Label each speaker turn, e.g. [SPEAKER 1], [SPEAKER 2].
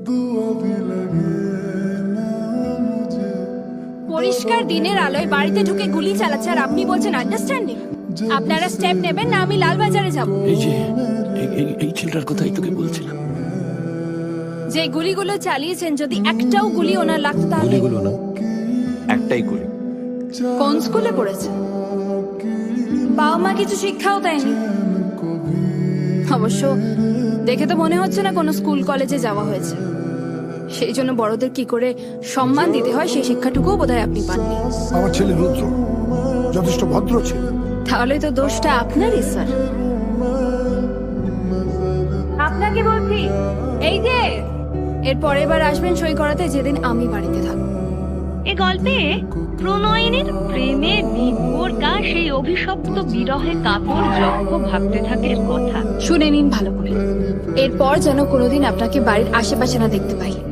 [SPEAKER 1] পরিষ্কার দিনের আলোয় বাড়িতে ঢুকে গুলি চালাচ্ছে আর আপনি বলছেন আন্ডারস্ট্যান্ডিং। আপনারা স্টেপ নেবেন না আমি লালবাজারে যাব।
[SPEAKER 2] এই যে এই ছেলেটার কথাই তোকে বলছিলাম।
[SPEAKER 1] যে গুলিগুলো চালিয়েছেন যদি একটাও গুলি ওনার লাগতো তাহলে।
[SPEAKER 2] গুলিগুলো না, একটাই গুলি।
[SPEAKER 1] কোন স্কুলে পড়েছে? বাবা মা কিছু শিক্ষাও দেয়নি। অবশ্য দেখে তো মনে হচ্ছে না কোনো স্কুল কলেজে যাওয়া হয়েছে। সেই জন্য বড়দের কি করে সম্মান দিতে হয় সেই শিক্ষাটুকুও বোধহয় আপনি পাননি।
[SPEAKER 3] আমার ছেলে রুদ্র যথেষ্ট ভদ্র ছিল।
[SPEAKER 1] তাহলে তো দোষটা আপনারই স্যার। আপনাকে বলছি এই যে এর পরের বার আসবেন সই করাতে যেদিন আমি বাড়িতে থাকবো।
[SPEAKER 4] এ গল্পে প্রণয়িনীর প্রেমে বিভোরকা সেই অভিশপ্ত বিরহে কাতর যক্ষ ভাবতে থাকে কথা।
[SPEAKER 1] শুনে নিন ভালো করে, এরপর যেন কোনোদিন আপনাকে বাড়ির আশেপাশে না দেখতে পাই।